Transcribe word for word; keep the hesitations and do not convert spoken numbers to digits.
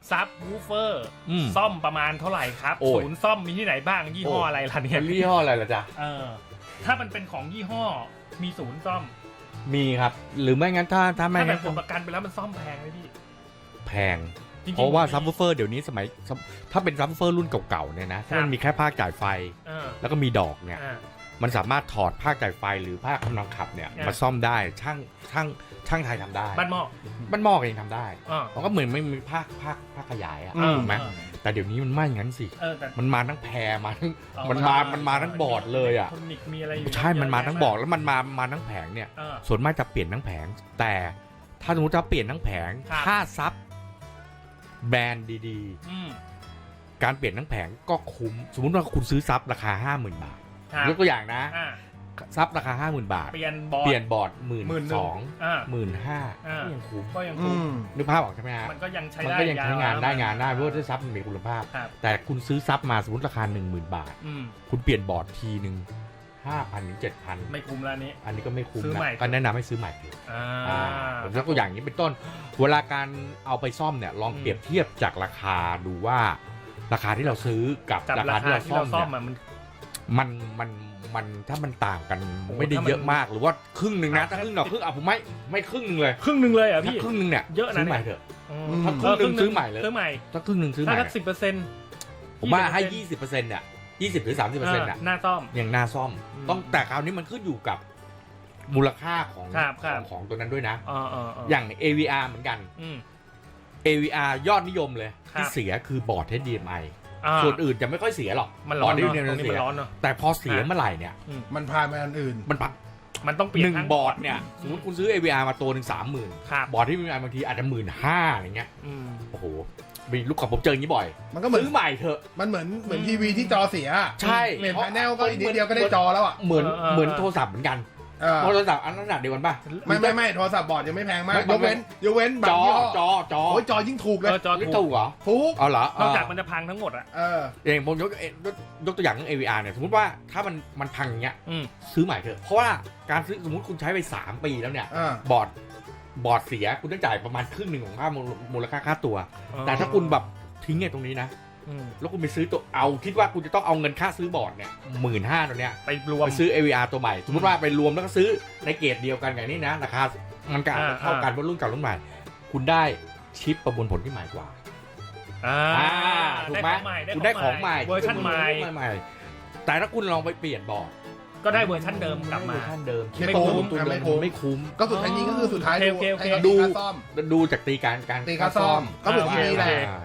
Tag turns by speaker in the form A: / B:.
A: ซับวูฟเฟอร์
B: อืม
A: ซ่อมประมาณเท่าไหร่ครับ
B: โอ้ย
A: ศูนย์ซ่อมมีที่ไหนบ้างยี่ห้ออะไรล่ะเนี่ย
B: ยี่ห้ออะไรล่ะจ๊ะ
A: เออถ้ามันเป็นของยี่ห้อมีศูนย์ซ่อม
B: มีครับ หรือไม่งั้นถ้าถ้าไม่
A: ถ้าแบ
B: งั้
A: บ
B: น
A: ผลประกันไปแล้วมันซ่อมแพงไหมพี่
B: แพง
A: จริงๆ
B: เพราะว่า
A: ผม
B: ซับวูฟเฟอร์เดี๋ยวนี้สมัยซับถ้าเป็นซับวูฟเฟอร์รุ่นเก่าๆเนี่ยนะถ้ามันมีแค่ภาคจ่ายไฟ
A: เออ
B: แล้วก็มีดอกเนี่ย
A: อ่า
B: มันสามารถถอดภาคจ่ายไฟหรือภาคกำลังขับเนี่ย
A: อ่ะ
B: มาซ่อมได้ช่างช่างช่างไทยทำได้
A: บ้านหม้อ
B: บ้านหม้อเองทำได้
A: อ่า
B: มันก็เหมือนไม่มีภาคภาคภาคขยายอะ
C: อืม
B: ถูกไหม
A: เออ
B: แต่เดี๋ยวนี้มันไม่งั้นสิ
A: เออแต่
B: มันมาทั้งแพรมาทั้ง
A: เออ
B: มันมามันมาทั้งบอร์ดเลยอะ
A: ทนิกมีอะไรอยู่
B: ใช่มันมา
A: เยะ
B: ทั้งบอร์ดแล้วมันมามาทั้งแผงเนี่ย
A: เออ
B: ส่วนมากจะเปลี่ยนทั้งแผง แต่ถ้าสมมติจะเปลี่ยนทั้งแผง
A: ครับ
B: ถ้าซับแบรนด์ดี
A: อืม
B: ๆ การเปลี่ยนทั้งแผงก็คุ้ม สมมติว่าคุณซื้อซับราคา ห้าหมื่น บาท
A: ครับ
B: ยกตัวอย่างนะ
A: อ่า
B: ซับราคา ห้าหมื่น บาท
A: เปลี่ยนบอร์ด
B: เปลี่ยนบอร์ดหมื่น
A: หมื่นหนึ่
B: ส
A: ง
B: อง
A: อ่า
B: หมื่นห้า
A: อ่า
B: ก็ยังคุ้ม
A: ก็ยัง
C: อื
A: คุ้ม
C: ม
B: นึกภาพออกใช่ไหมฮะ
A: มันก็ยังใช้
B: มัน
A: ได้
B: ก็ยังใช้งานได้งานได้เพ
A: ย
B: ราะว่าด้วยซับมันมีคุณภาพ
A: ครับ
B: แต่คุณซื้อซับมาสมมติราคา หนึ่งหมื่น บาท
A: อืม
B: คุณเปลี่ยนบอร์ดทีหนึ่งห้าพันถึงเจ็ดพัน
A: ไม่คุ้มแล้วนี้
B: อันนี้ก็ไม่คุ้ม
A: ซื้อ
B: นะ
A: ใหม่
B: ก็แนะนำให้ซื้อใหม่เถอะ
A: อ่า
B: อ่าผมยกตัวอย่างนี้เป็นต้น เวลาการเอาไปซ่อมเนี่ยลอง
A: อืม
B: เปรียบเทียบจากราคาดูว่า ราคาที่เราซื้อกับ
A: กับ
B: รา
A: รา
B: คาที่
A: คา
B: เรา
A: ที่
B: ซ่อ
A: เรา
B: ม
A: ซ่อ
B: เนี่
A: ม
B: ย
A: อะมัน
B: มันมันมันถ้ามันต่างกัน
A: โอ้
B: ไม่ได้
A: ถ้ามัน
B: เยอะมากหรือว่าครึ่งหนึ่งนะ
A: ครั
B: ถ้า
A: บ
B: ครึ่งหน่อครึ่งอ่ะผมไม่ไม่ครึ่งหนึ่งเลย
A: ครึ่งหนึ่งเลยเหรอ่ะ
B: ถ้า
A: พี่
B: ครึ่งหนึ่งเนี่ย
A: เยอะนะ
B: ซื้อใหม่เถอะ
A: อืม
B: ถ้าครึ่งหนึ่งซื้อใหม่เลย
A: ซื้อใหม่
B: ถ้าครึ่งหนึ่งซื้อให
A: ถ้า
B: ม่
A: สักสิบเปอร์เซ็นต์
B: ผมว่าให้ยี่สิบเปอร์เซ็นต์เนี่ยยี่สิบหรือสามสิบเปอร์เซ็นต์อ่ะ
A: หน้าซ่อม
B: อย่างหน้าซ่อม
A: อืม
B: ต้องแต่คราวนี้มันขึ้นอยู่กับมูลค่าของ
A: ครับค
B: ข
A: รั
B: อบ งของตัวนั้นด้วยนะ
A: อ่าอ่า
B: อย่าง เอ วี อาร์ เหมือนกัน
A: อืม
B: เอ วี อาร์ ยอดนิยมเลย
A: ครับ
B: ที่เสียคือบอร์ด เอช ดี เอ็ม ไอ
A: อ่า
B: ส่วนอื่นจะไม่ค่อยเสียหรอก
A: มันร้อน
B: บ
A: เนาะ
B: ร์ด
A: ตรง
B: เดียว
A: นี้
B: เสี
A: มัน
B: ย
A: ร้อนเนาะ
B: แต่พอเสียเมื่อไหร่เนี่ย
C: มันพาไปอันอื่น
B: มันปัก
A: มันต้องเปลี่ย
B: ห
A: น
B: นึ่ง
A: ทั้ง
B: บอร์ดเนี่ยสมมติคุณซื้อ เอ วี อาร์ มาตัวหนึ่งสามหมื่น
A: ครับ
B: บอร์ดที่มีบางทีอาจจะหมื่นห้าอะไรเงี้ย
A: อืม
B: โอ้โหมีลูกกับผมเจออย่างนี้บ่อย
C: มันก็เหมือน
B: ซื้อใหม่เถอะ
C: มันเหมือนเหมือนทีวีที่จอเสีย
B: ใช่
C: เปลี่ยนแผนแนลก็อีกนิดเดียวก็ได้จอแล้วอ่ะ
B: เหมือนเหมือนโทรศัพท์เหมือนกัน
C: เออ
B: โทรศัพท์อันนั้นขนาดเดียวกันป่ะ
C: ไม่ไม่ไม่โทรศัพท์บอร์ดยังไม่แพงมาก
B: ไม่
C: ยกเว้นยกเว้นบา
B: จ
C: ง
B: อ
C: ยี่ห้อ
B: จอจอ
C: โอ้ยจอยิ่งถูกเล
A: เอย อจอ
B: ไม่
A: ถู
B: ถู
A: ก
B: กเหรอ
C: ถูก
B: เอาเหรอน
A: อกจากมันจะพังทั้งหมดอ่ะ
C: เออ
B: เองผมยกเอ่อยกยกตัวอย่างเรื่อง เอ วี อาร์ เนี่ยสมมติว่าถ้ามันมันพังอย่างเงี้ย
A: อืม
B: ซื้อใหม่เถอะเพราะว่าการซื้อสมมติคุณใช้ไปสามปีแล้วเนี่ย
C: อ่า
B: บอร์ดบอร์ดเสียคุณต้องจ่ายประมาณครึ่งหนึ่งของค่ามูลมูลค่าค่าตัว แต่ถ้าคุณแบบทิ้งไอ้ตรงนี้นะ
A: อืม
B: แล้วคุณไปซื้อตัวเอาคิดว่าคุณจะต้องเอาเงินค่าซื้อบอร์ดเนี่ยหมื่นห้าตัวเนี้ย
A: ไปรวม
B: ไปซื้อ เอ วี อาร์ ตัวใหม่ สมมติว่าไปรวมแล้วก็ซื้อในเกรดเดียวกันอย่างนี้นะราคามันก็อาจจะ
A: อ่า
B: เท่ากันว่ารุ่นเก่ารุ่นใหม่ คุณได้ชิปประมวลผลที่ใหม่กว่า
A: อ่า
B: อ่าถูกไหม
A: ได้
B: คุณได้ของใหม่
A: เวอร์ชันใหม่
B: ใหม่ แต่ถ้าคุณลองไปเปลี่ยนบอร์ด
A: ก็ได้เวอร์ชันเดิมกลับมา
B: เวอร์ชันเดิม
C: ไม่คุ้ม
B: ตัวเดิ
C: ไม่คุ้ม
B: ไม่คุ้ม
C: ก็สุดท้ายนี้ก็คือสุดท้าย
A: โอเคโอเค
C: ให้
B: ดู
C: ดูค่าซ่อม
B: ดูจากตีการการ
C: ตีค่าซ่อมก็เหมือนทีวีแหละ
B: อ่า